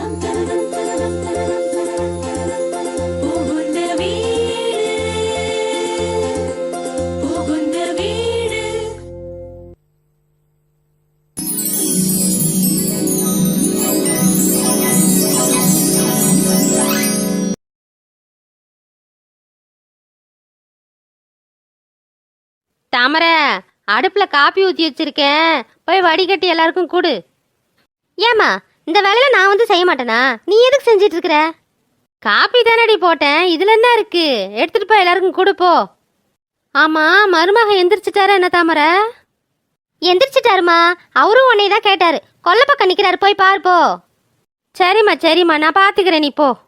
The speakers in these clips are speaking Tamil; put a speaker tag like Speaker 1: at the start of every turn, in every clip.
Speaker 1: தாமரை, அடுப்புல காப்பி ஊத்தி வச்சிருக்கேன், போய் வடிகட்டி எல்லாருக்கும் கொடு. ஏமா, இந்த வேலையில நான் வந்து செய்ய மாட்டேனா? நீ எதுக்கு செஞ்சிட்டு இருக்கிற? காப்பி தானடி போட்டேன், இதுல என்ன இருக்கு? எடுத்துட்டு போய் எல்லாருக்கும் கொடு போ. ஆமா, மருமக எந்திரிச்சிட்டாரா என்ன தாமரை? எந்திரிச்சிட்டாருமா, அவரும் உன்னை தான் கேட்டாரு. கொல்ல பக்கம் நிக்கிறாரு, போய் பாரு போ. சரிம்மா சரிம்மா, நான் பாத்துக்கிறேன், நீ போ.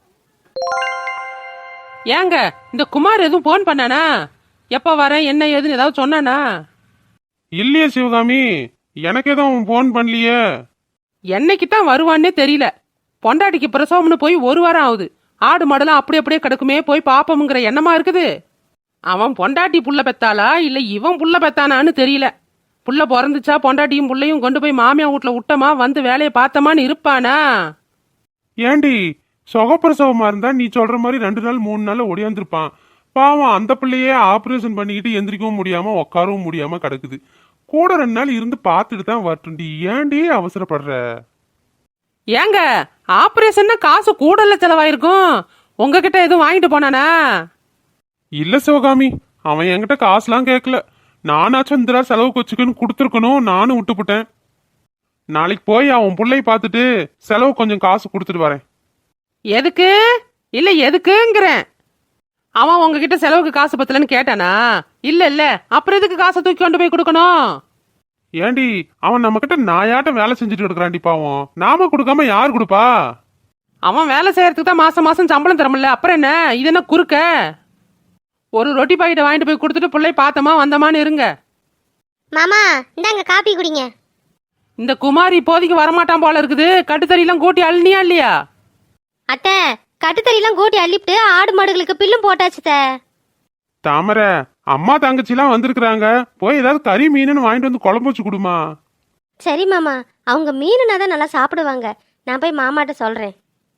Speaker 2: ஏங்க, இந்த குமார் எதுவும் போன் பண்ணானா? எப்ப வரேன் என்ன ஏதுன்னு ஏதாவது சொன்னானா?
Speaker 3: இல்லையே சிவகாமி, எனக்கு எதுவும் போன் பண்ணலையே.
Speaker 2: என்னைக்குத்தான் வருவான்னே தெரியல. பொண்டாட்டிக்கு பிரசவம்னு போய் 1 வாரம் ஆகுது. ஆடு மாடெல்லாம் அப்படியே கிடக்குமே, போய் பாப்போம்ங்கிற எண்ணமா இருக்குது. அவன் பொண்டாட்டி புள்ள பெத்தாளா இல்ல இவன் புள்ள பெத்தானான்னு தெரியல. புள்ள பிறந்துச்சா பொண்டாட்டியும் புள்ளையும் கொண்டு போய் மாமியா வீட்டுல விட்டமா, வந்து வேலையை பார்த்தமான்னு இருப்பானா?
Speaker 3: ஏண்டி, சுகப்பிரசவமா இருந்தா நீ சொல்ற மாதிரி 2 நாள் 3 நாள் ஒடியாந்துருப்பான். பாவம், அந்த பிள்ளையே ஆபரேஷன் பண்ணிக்கிட்டு எந்திரிக்கவும் முடியாம உட்காரவும் முடியாம கிடக்குது. கூட 2 நாள் இருந்து பார்த்துட்டு தான் வரட்டும்டி. ஏண்டி அவசரப்படுற?
Speaker 2: ஏங்க, ஆபரேஷன்னா காசு கூடல செலவாயிருக்கும். உங்ககிட்ட எதுவும் வாங்கிட்டு போனானா?
Speaker 3: இல்ல சிவகாமி, அவன் என்கிட்ட காசுலாம் கேட்கல. நானாச்சும் இந்த செலவுக்கு வச்சுக்கன்னு கொடுத்துருக்கணும், நானும் விட்டுப்புட்டேன். நாளைக்கு போய் அவன் பிள்ளைய பார்த்துட்டு செலவு கொஞ்சம் காசு கொடுத்துட்டு வரேன்.
Speaker 2: எதுக்கு? இல்ல எதுக்குங்கிறேன். அவன் உங்ககிட்ட செலவுக்கு காசு பத்தலன்னு கேட்டானா? இல்ல அப்புறம் எதுக்கு காசை தூக்கி கொண்டு போய் கொடுக்கணும்?
Speaker 3: ஏண்டி, அவன் நம்ம கிட்ட நாயாட்டம் வேலை செஞ்சுட்டு இருக்கிறான்டி. பாவம், நாம கொடுக்காம யார் கொடுப்பா?
Speaker 2: அவன் வேலை செய்யறதுக்கு தான் மாசம் மாசம் சம்பளம் தரமில்ல, அப்புறம் என்ன இது என்ன குறுக்க? ஒரு ரொட்டி பாக்கெட்டை வாங்கிட்டு போய் கொடுத்துட்டு பிள்ளை பார்த்தமா வந்தமான்னு இருங்க.
Speaker 1: மாமா, இந்தாங்க காப்பி குடிங்க.
Speaker 2: இந்த குமாரி இப்போதைக்கு வரமாட்டான் போல இருக்குது. கட்டுத்தறியெல்லாம் கூட்டி அள்ளினியா இல்லையா?
Speaker 1: அத்தை, கட்டுத்தறியெல்லாம் கூட்டி அள்ளிவிட்டு ஆடு மாடுகளுக்கு பில்லும் போட்டாச்சு.
Speaker 3: தாமரை, அம்மா தங்கச்சிலாம் வந்திருக்கிறாங்க. போய் ஏதாவது கறி மீனுன்னு வாங்கிட்டு வந்து குழம்பு வச்சு கொடுமா.
Speaker 1: சரி மாமா, அவங்க மீனுனா தான் நல்லா சாப்பிடுவாங்க. நான் போய் மாமாட்ட சொல்றேன்.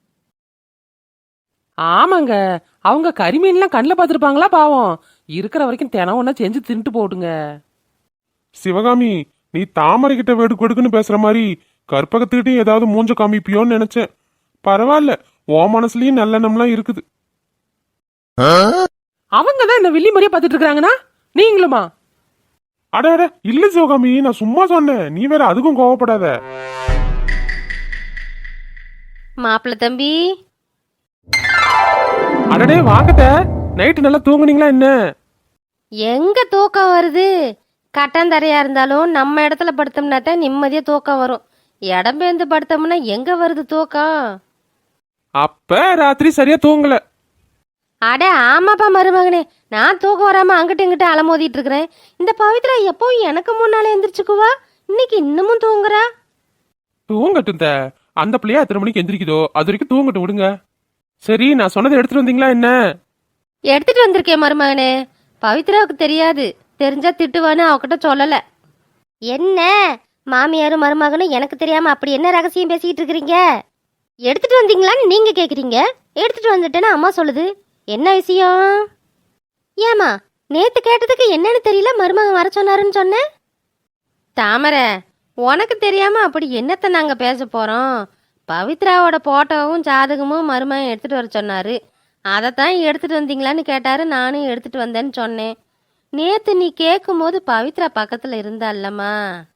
Speaker 2: ஆமாங்க, அவங்க கறிமீன்லாம் கண்ணில் பார்த்துருப்பாங்களா? பாவம், இருக்கிற வரைக்கும் தினம் ஒன்னா செஞ்சு தின்ட்டு போடுங்க.
Speaker 3: சிவகாமி, நீ தாமரை கிட்ட வெடுக்கு வெடுக்குன்னு பேசுற மாதிரி கற்பகத்துக்கிட்டையும் ஏதாவது மூஞ்ச காமிப்பியோன்னு நினைச்சேன். பரவாயில்ல, ஓ மனசுலயும் நல்லெண்ணம்லாம் இருக்குது.
Speaker 2: அவங்க தான் இந்த வில்லி மாதிரியே பார்த்துட்டு இருக்காங்கன்னா நீங்களுமா?
Speaker 3: அட அட, இல்ல சிவகாமி, நான் சும்மா சொன்னேன். நீ வேற அதுக்கும் கோவப்படாத.
Speaker 1: மாப்பிள்ள தம்பி,
Speaker 2: அடடே வாங்கத்த. நைட்டு நல்லா தூங்குனீங்களா என்ன?
Speaker 1: எங்க தூக்கம் வருது? கட்டாந்தரையா இருந்தாலும் நம்ம இடத்துல படுத்தோம்னா தான் நிம்மதியா தூக்கம் வரும். இடம் பேர்ந்து படுத்தோம்னா எங்க வருது தூக்கம்?
Speaker 2: அப்ப ராத்திரி சரியா தூங்கல.
Speaker 1: அட ஆமாப்பா மருமகனே, நான் தூக்கம் வராம அங்கிட்ட இங்கிட்ட அலமோதிட்டு இருக்கிறேன். இந்த பவித்ரா எப்பவும் எனக்கு முன்னால எந்திரிச்சுக்குவா, இன்னைக்கு இன்னமும் தூங்குறா.
Speaker 2: தூங்கட்டும். அந்த பிள்ளையா எத்தனை மணிக்கு எந்திரிக்குதோ அது வரைக்கும் தூங்கட்டும் விடுங்க. சரி, நான் சொன்னதை எடுத்துட்டு வந்தீங்களா என்ன?
Speaker 1: எடுத்துட்டு வந்திருக்கேன் மருமகனே. பவித்ராவுக்கு தெரியாது, தெரிஞ்சா திட்டுவான்னு அவகிட்ட சொல்லல. என்ன மாமியாரும் மருமகனும் எனக்கு தெரியாம அப்படி என்ன ரகசியம் பேசிக்கிட்டு இருக்கிறீங்க? எடுத்துட்டு வந்தீங்களான்னு நீங்க கேக்குறீங்க. எடுத்துட்டு வந்துட்டேன்னு அம்மா சொல்லுது. என்ன விஷயம்? ஏமா, நேத்து கேட்டதுக்கு என்னன்னு தெரியல, மருமகன் வர சொன்னாருன்னு சொன்னேன். தாமரை, உனக்கு தெரியாம அப்படி என்னத்த நாங்க பேச போறோம்? பவித்ராவோட போட்டோவும் ஜாதகமும் மருமகன் எடுத்துட்டு வர சொன்னாரு. அதைத்தான் எடுத்துட்டு வந்தீங்களான்னு கேட்டாரு. நானும் எடுத்துட்டு வந்தேன்னு சொன்னேன். நேத்து நீ கேட்கும் போது பவித்ரா பக்கத்துல இருந்தால்லம்மா.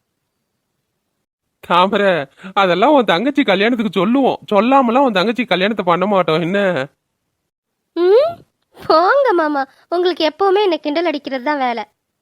Speaker 2: தாமரை, அதெல்லாம் உன் தங்கச்சி கல்யாணத்துக்கு சொல்லுவோம். சொல்லாமலாம் உன் தங்கச்சி கல்யாணத்தை பண்ண மாட்டோம் என்ன?
Speaker 1: ம், போங்க மாமா, உங்களுக்கு எப்பவுமே என்ன கிண்டல் அடிக்கிறது தான் வேலை.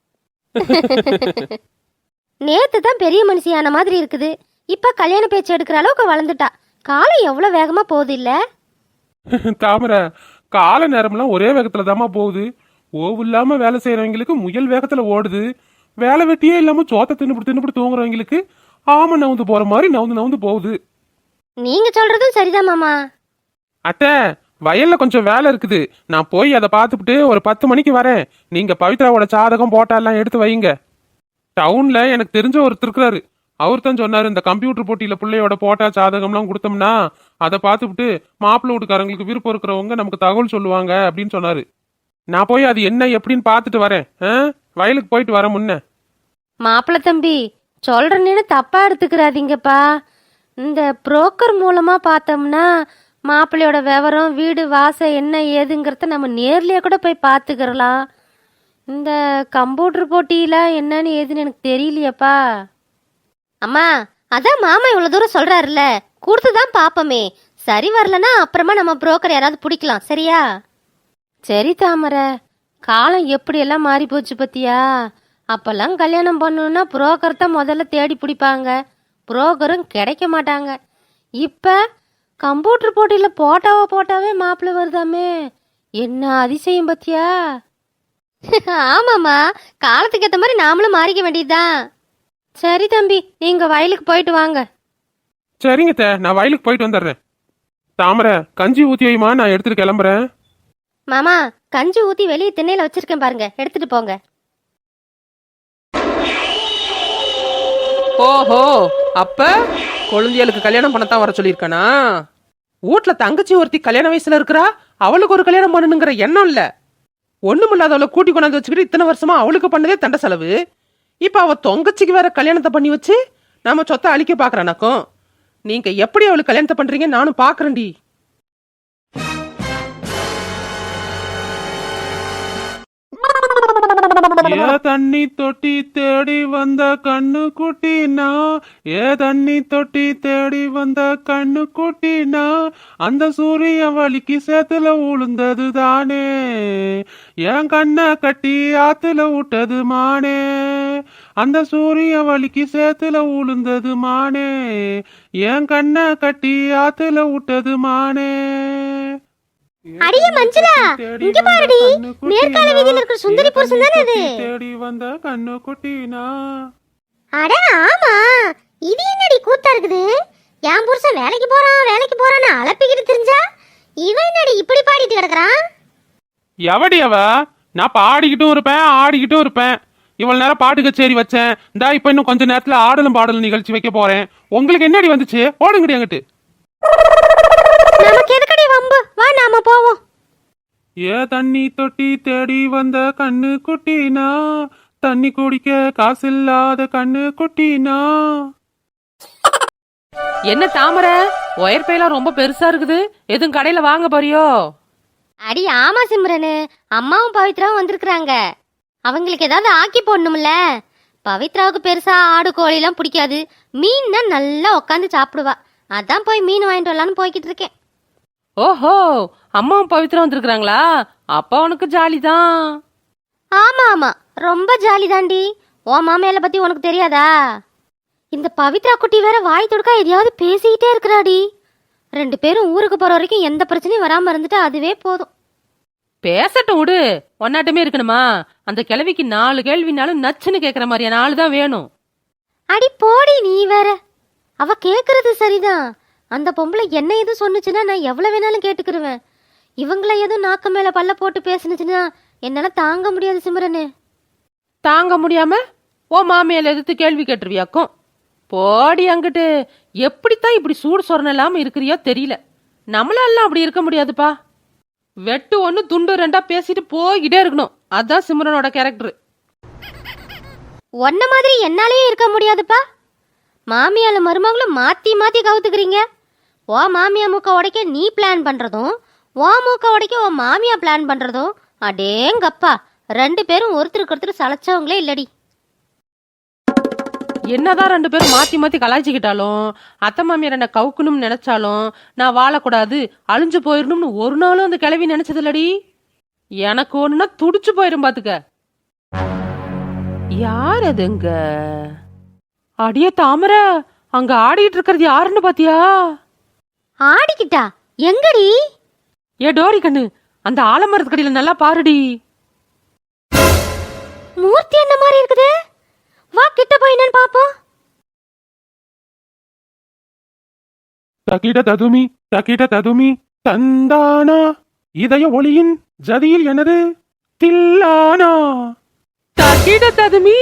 Speaker 1: நேத்து தான் பெரிய மனுஷியான மாதிரி இருக்குது, இப்ப கல்யாண பேச்சு எடுக்கிற அளவுக்கு வளர்ந்துட்டா. காலம் எவ்வளவு வேகமா போகுது இல்ல?
Speaker 2: தாமரை, கால நேரம்லாம் ஒரே வேகத்துல தாமா போகுது. ஓவு இல்லாம வேலை செய்யறவங்களுக்கு முயல் வேகத்துல ஓடுது. வேலை வெட்டியே இல்லாம சோத்த தின்னுபிட்டு தூங்குறவங்களுக்கு ஆம நவுந்து போற மாதிரி நவுந்து போகுது.
Speaker 1: நீங்க சொல்றதும் சரிதான் மாமா.
Speaker 2: அத்தை, வயல்ல கொஞ்சம் வேலை இருக்குது, நான் போய் அதை பார்த்துட்டு ஒரு 10 மணிக்கு வரேன். நீங்க பவித்ராவோட ஜாதகம் போட்டா எல்லாம் எடுத்து வைங்க. டவுன்ல எனக்கு தெரிஞ்ச ஒருத்தர் இருக்கிறாரு. அவர் தான் சொன்னாரு, இந்த கம்ப்யூட்டர் போட்டியில பிள்ளையோட போட்டா ஜாதகம்லாம் கொடுத்தோம்னா
Speaker 3: அதை பார்த்துவிட்டு மாப்பிள்ளை வீட்டுக்காரங்களுக்கு விருப்பம் இருக்கிறவங்க நமக்கு தகவல் சொல்லுவாங்க அப்படின்னு சொன்னாரு. நான் போய் அது என்ன எப்படின்னு பார்த்துட்டு வரேன். வயலுக்கு போயிட்டு வரேன் முன்ன.
Speaker 1: மாப்பிள்ள தம்பி, சொல்றேன்னு தப்பா எடுத்துக்கிறாதீங்கப்பா. இந்த புரோக்கர் மூலமா பார்த்தோம்னா மாப்பிள்ளையோட விவரம், வீடு வாசல் என்ன ஏதுங்கிறத நம்ம நேர்லயே கூட போய் பார்த்துக்கிறலாம். இந்த கம்ப்யூட்டர் போட்டியில என்னன்னு ஏதுன்னு எனக்கு தெரியலையப்பா. அம்மா, அதான் மாமா இவ்வளோ தூரம் சொல்றாருல்ல, கொடுத்துதான் பார்ப்போமே. சரி வரலன்னா அப்புறமா நம்ம புரோக்கர் யாராவது பிடிக்கலாம். சரியா? சரி தாமரை, காலம் எப்படியெல்லாம் மாறி போச்சு பத்தியா. அப்பெல்லாம் கல்யாணம் பண்ணணும்னா புரோக்கர் தான் முதல்ல தேடி பிடிப்பாங்க, புரோக்கரும் கிடைக்க மாட்டாங்க. இப்போ கம்ப்யூட்டர் போட்டியில் போட்டாவே மாப்பிள்ளை வருதாமே, என்ன அதிசயம் பத்தியா. ஆமாம்மா, காலத்துக்கு ஏற்ற மாதிரி நாமளும் மாறிக்க வேண்டியதுதான். சரி தம்பி, நீங்க வயலுக்கு போயிட்டு வாங்க.
Speaker 3: சரிங்க, நான் வயலுக்கு போயிட்டு வந்துடுறேன். தாமரை, கஞ்சி ஊத்தி வைமா, நான் எடுத்துட்டு கிளம்புறேன்.
Speaker 1: மாமா, கஞ்சி ஊத்தி வெளியே திண்ணையில வச்சிருக்கேன் பாருங்க, எடுத்துட்டு போங்க.
Speaker 2: ஓஹோ, அப்ப குழந்தைகளுக்கு கல்யாணம் பண்ணத்தான் வர சொல்லியிருக்கானா? வீட்ல தங்கச்சி ஒருத்தி கல்யாண வயசுல இருக்கிறா, அவளுக்கு ஒரு கல்யாணம் பண்ணணுங்கிற எண்ணம் இல்ல. ஒண்ணுமில்லாதவளை கூட்டி கொண்டாந்து வச்சுக்கிட்டு இத்தனை வருஷமா அவளுக்கு பண்ணதே தண்ட செலவு. இப்ப அவ தொங்கச்சிக்கு வேற கல்யாணத்தை பண்ணி வச்சு நம்ம சொத்தை அழிக்க பாக்குறானாக்கும். நீங்க எப்படி அவளுக்கு கல்யாணத்தை பண்றீங்க நானும் பாக்குறேன்டி.
Speaker 3: ஏ தண்ணி தொட்டி தேடி வந்த கண்ணு குட்டினா, ஏ தண்ணி தொட்டி தேடி வந்த கண்ணு குட்டினா, அந்த சூரிய வலிக்கு சேத்துல உளுந்தது தானே, என் கண்ணை கட்டி ஆத்துல விட்டது மானே, அந்த சூரிய வலிக்கு சேத்துல உளுந்தது மானே, என் கண்ணை கட்டி ஆத்துல விட்டது மானே.
Speaker 1: அடியே மஞ்சுளா, இங்க பாருடி, மேற்கால வீதியில இருக்கிற சுந்தரி புருஷன் தானே இது.
Speaker 3: தேடி வந்த கண்ணு குட்டினா.
Speaker 1: அட ஆமா, இது என்னடி கூத்தா இருக்குது. என் புருஷன் வேலைக்கு போறான்னு அலப்பிக்கிட்டு தெரிஞ்சா, இவன் என்னடி இப்படி பாடிட்டு கிடக்குறான்.
Speaker 3: எவடி அவ? நான் பாடிக்கிட்டும் இருப்பேன், ஆடிக்கிட்டும் இருப்பேன். இவ்வளவு நேரம் பாட்டு கச்சேரி வச்சேன், இந்தா இப்ப இன்னும் கொஞ்ச நேரத்துல ஆடலும் பாடலும் நிகழ்ச்சி வைக்க போறேன். உங்களுக்கு என்னடி வந்துச்சு? ஓடுங்கடி அங்கிட்டு.
Speaker 1: நமக்கு எதுக்கடி வம்பு, வா நாம போவோம்.
Speaker 3: ஏ தண்ணி தொட்டி தேடி வந்த கண்ணு குட்டினா, தண்ணி குடிக்க காசில்லாத கண்ணு குட்டினா.
Speaker 2: என்ன தாமரை, ஒயர் பையெல்லாம் ரொம்ப பெருசா இருக்குது, எதுவும் கடையில வாங்க போறியோ?
Speaker 1: அடி ஆமா சிம்ரனு, அம்மாவும் பவித்ராவும் வந்திருக்கிறாங்க. அவங்களுக்கு ஏதாவது ஆக்கி போடணும்ல. பவித்ராவுக்கு பெருசா ஆடு கோழிலாம் பிடிக்காது, மீன்னா நல்லா உட்காந்து சாப்பிடுவா. அதான் போய் மீன் வாங்கிட்டு வரலான்னு போய்கிட்டு இருக்கேன்.
Speaker 2: ஓஹோ, அம்மாவும் பவித்ரா வந்திருக்கிறாங்களா? அப்பா உனக்கு ஜாலிதான்.
Speaker 1: ஆமா ஆமா, ரொம்ப ஜாலி தாண்டி. உன் மாமையால பத்தி உனக்கு தெரியாதா? இந்த பவித்ரா குட்டி வேற வாய் தொடுக்கா எதையாவது பேசிக்கிட்டே இருக்கிறாடி. 2 பேரும் ஊருக்கு போற வரைக்கும் எந்த பிரச்சனையும் வராம இருந்துட்டா அதுவே போதும்.
Speaker 2: பேசட்டும் விடு, ஒன்னாட்டமே இருக்கணுமா? அந்த கிழவிக்கு 4 கேள்வினாலும் நச்சுன்னு கேக்குற மாதிரியான ஆளு தான் வேணும்.
Speaker 1: அடி போடி நீ வேற. அவ கேக்குறது சரிதான். அந்த பொம்பளை என்ன எதுவும் சொன்னுச்சுன்னா நான் எவ்வளவு வேணாலும் கேட்டுக்கிருவேன். இவங்கள எதுவும் நாக்க மேல பல்ல போட்டு பேசுனுச்சுன்னா என்னால தாங்க முடியாது சிம்ரனு.
Speaker 2: தாங்க முடியாம ஓ மாமியால எதிர்த்து கேள்வி கேட்டுருவியாக்கும். போடி அங்கிட்டு. எப்படித்தான் இப்படி சூடு சொரண இல்லாம இருக்கிறியோ தெரியல. நம்மளால அப்படி இருக்க முடியாதுப்பா. வெட்டு 1 துண்டு 2 பேசிட்டு போய்கிட்டே இருக்கணும். அதான் சிம்ரனோட கேரக்டர்.
Speaker 1: ஒன்ன மாதிரி என்னாலயே இருக்க முடியாதுப்பா. மாமியால மருமகளும் மாத்தி மாத்தி கவுத்துக்கிறீங்க. ஓ மாமியா மூக்க உடைக்க நீ பிளான் பண்றதும், ஓ மூக்க உடைக்க ஓ மாமியா பிளான் பண்றதும், அடேங்கப்பா 2 பேரும் ஒருத்தருக்கு ஒருத்தர் சளைச்சவங்களே இல்லடி.
Speaker 2: என்னதான் 2 பேரும் மாத்தி மாத்தி கலாய்ச்சிக்கிட்டாலும், அத்தை மாமியார் என்ன கவுக்கணும்னு நினைச்சாலும், நான் வாழக்கூடாது அழிஞ்சு போயிடணும்னு ஒரு நாளும் அந்த கிழவி நினைச்சது இல்லடி. எனக்கு ஒண்ணுன்னா துடிச்சு போயிரும் பாத்துக்க. யார் அதுங்க? அடியே தாமரை, அங்க ஆடிட்டு இருக்கிறது யாருன்னு பாத்தியா?
Speaker 1: ஆடிக்கிட்டா? எங்கடி?
Speaker 2: ஏ டோரி கண்ணு, அந்த ஆலமரத்து கடியில நல்லா பாருடி.
Speaker 1: மூர்த்தி என்ன மாதிரி இருக்குது. வா கிட்ட போய் என்னன்னு பாப்போம்.
Speaker 3: தகிட ததுமி தந்தானா, இதய ஒளியின் ஜதியில் எனது தில்லானா.
Speaker 2: தகிட ததுமி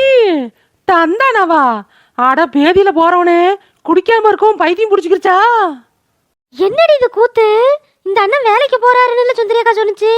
Speaker 2: தந்தானவா? அட பேதியில போறவனே, குடிக்காம இருக்கும் பைத்தியம் புடிச்சுக்கிருச்சா?
Speaker 1: என்னடி இது கூத்து? இந்த அண்ணன் வேலைக்கு போறாருன்னு சுந்தரி அக்கா சொன்னுச்சு.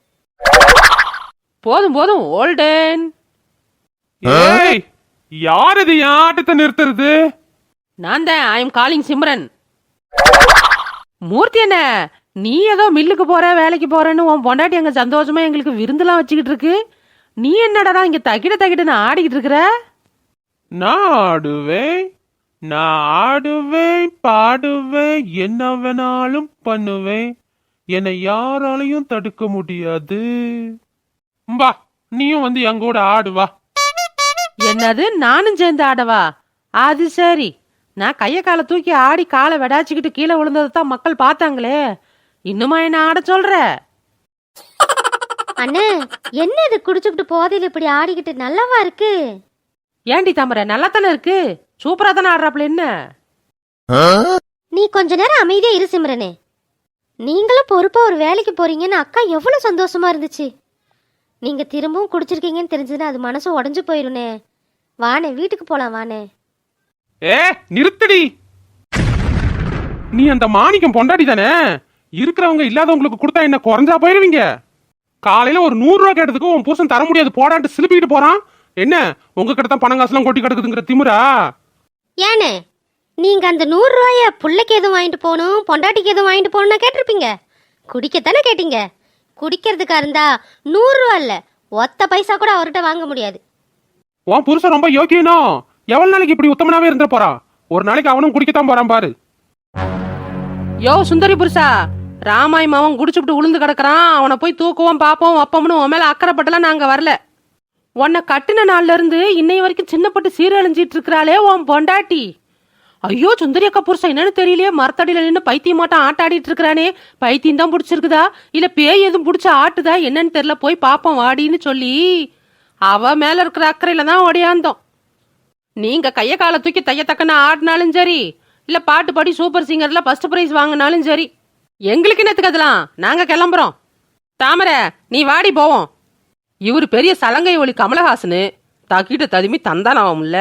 Speaker 2: போதும் போதும் ஓல்டன்.
Speaker 3: ஏய், யார் இது என் ஆட்டத்தை நிறுத்துறது?
Speaker 2: நான் தான். I am calling Simran. Murthy என்ன, நீ ஏதோ மில்லுக்கு போற வேலைக்கு போறேன்னு உன் பொண்டாட்டி அங்க சந்தோஷமா எங்களுக்கு விருந்துலாம் வச்சுக்கிட்டு இருக்கு. நீ என்னடா இங்க தகிடன்னு ஆடிக்கிட்டு இருக்கிற?
Speaker 3: நான் ஆடுவேன், நான் ஆடுவேன், பாடுவேன், என்ன வேணாலும் பண்ணுவேன், என்னை யாராலையும் தடுக்க முடியாது. வா, நீயும் வந்து எங்க கூட ஆடு வா.
Speaker 2: என்னது, நானும் சேர்ந்து ஆடவா? அது சரி. நான் கைய காலை தூக்கி ஆடி காலை வெடாச்சிக்கிட்டு கீழே விழுந்ததை தான் மக்கள் பார்த்தாங்களே. இன்னுமா என்ன ஆட சொல்ற?
Speaker 1: அண்ணே, என்ன இது குடிச்சுக்கிட்டு போதையில இப்படி ஆடிக்கிட்டு நல்லாவா இருக்கு?
Speaker 2: ஏண்டி தாமரை, நல்லா தானே இருக்கு. சூப்பரா தானே ஆடுறாப்புல. என்ன
Speaker 1: நீ கொஞ்ச நேரம் அமைதியா இரு சிம்ரனே. நீங்களும் பொறுப்பா ஒரு வேலைக்கு போறீங்கன்னு அக்கா எவ்வளவு சந்தோஷமா இருந்துச்சு. நீங்க திரும்பவும் குடிச்சிருக்கீங்கன்னு தெரிஞ்சதுன்னா அது மனசு உடஞ்சு போயிருனே. வானே, வீட்டுக்கு போலாம் வானே.
Speaker 3: ஏ, நிறுத்தடி. நீ அந்த மாணிக்கம் பொண்டாடி தானே? இருக்கிறவங்க இல்லாதவங்களுக்கு கொடுத்தா என்ன குறைஞ்சா போயிருவீங்க? காலையில ஒரு 100 ரூபா கேட்டதுக்கு உன் புருஷன் தர முடியாது போடான்ட்டு சிலுப்பிக்கிட்டு போறான். என்ன உங்க கிட்ட தான் பணம் காசுலாம் கொட்டி கிடக்குதுங்கிற திமிரா?
Speaker 1: ஏனே, நீங்க அந்த 100 ரூபாய புள்ளைக்கு எதுவும் வாங்கிட்டு போகணும், பொண்டாட்டிக்கு எதுவும் வாங்கிட்டு போகணும்னா கேட்டிருப்பீங்க. குடிக்கத்தானே கேட்டீங்க. குடிக்கிறதுக்கா இருந்தா 100 ரூபா இல்ல, ஒத்த பைசா கூட அவர்கிட்ட வாங்க முடியாது.
Speaker 3: உன் புருஷன் ரொம்ப யோக்கியனோ? எவ்வளவு நாளைக்கு இப்படி உத்தமனாவே இருந்துட போறான்? ஒரு நாளைக்கு அவனும் குடிக்கத்தான் போறான் பாரு.
Speaker 2: யோ சுந்தரி புருஷா, ராமாய் மாவன் குடிச்சுட்டு உளுந்து கிடக்குறான். அவனை போய் தூக்குவோம் பாப்போம் அப்பம்னு உன் மேல அக்கறைப்பட்டலாம் நாங்க வரல. உன்னை கட்டின நாள்ல இருந்து இன்னை வரைக்கும் சின்னப்பட்டு சீரழிஞ்சிட்டு இருக்கிறாளே உன் பொண்டாட்டி. ஐயோ சுந்தரி அக்கா புருஷன் என்னன்னு தெரியலையே, மரத்தடியில நின்று பைத்தியமாட்டம் ஆட்டாடிட்டு இருக்கிறானே. பைத்தியம் தான் பிடிச்சிருக்குதா இல்ல பேய் எதுவும் பிடிச்ச ஆட்டுதா என்னன்னு தெரியல, போய் பாப்போம் வாடின்னு சொல்லி அவ மேல இருக்கிற அக்கறையில தான் ஓடியாந்தோம். நீங்க கைய காலை தூக்கி தையத்தக்கன்னு ஆடினாலும் சரி, இல்ல பாட்டு பாடி சூப்பர் சிங்கர்ல ஃபர்ஸ்ட் பிரைஸ் வாங்கினாலும் சரி, எங்களுக்கு என்னத்துக்கு அதெல்லாம்? நாங்க கிளம்புறோம். தாமரை, நீ வாடி போவோம். இவரு பெரிய சலங்கை ஒளி கமலஹாசனு, தக்கிட்ட ததுமி தந்தானாவும்ல.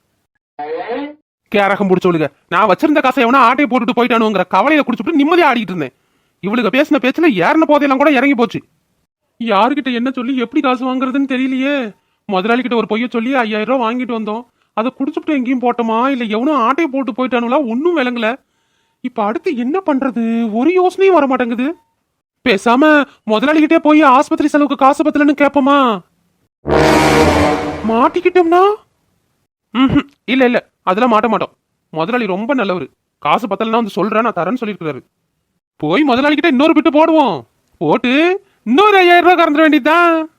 Speaker 3: கேரகம் பிடிச்சவளுங்க. நான் வச்சிருந்த காசை எவனா ஆட்டையை போட்டுட்டு போயிட்டானுங்கிற கவலையில குடிச்சுட்டு நிம்மதியா ஆடிட்டு இருந்தேன். இவளுக்கு பேசின பேச்சுல ஏறின போதையெல்லாம் கூட இறங்கி போச்சு. யாருக்கிட்ட என்ன சொல்லி எப்படி காசு வாங்குறதுன்னு தெரியலையே. முதலாளி கிட்ட ஒரு பொய்ய சொல்லி 5000 ரூபாய் வாங்கிட்டு வந்தோம். அதை குடிச்சுட்டு எங்கேயும் போட்டோமா இல்ல எவனும் ஆட்டையை போட்டு போயிட்டானுங்களா ஒன்னும் விளங்கல. இப்ப அடுத்து என்ன பண்றது ஒரு யோசனையும் வர மாட்டேங்குது. பேசாம முதலாளிகிட்டே போய் ஆஸ்பத்திரி செலவுக்கு காசு பத்தலன்னு கேப்போமா? மாட்டிக்கிட்டோம்னா இல்ல இல்ல அதெல்லாம் மாட்ட மாட்டோம். முதலாளி ரொம்ப நல்லவரு. காசு பத்தலன்னா வந்து சொல்றேன், நான் தரேன்னு சொல்லிருக்காரு. போய் முதலாளி கிட்ட இன்னொரு பிட்டு போடுவோம். போட்டு இன்னொரு 5000 ரூபாய் கறந்துட வேண்டியதுதான்.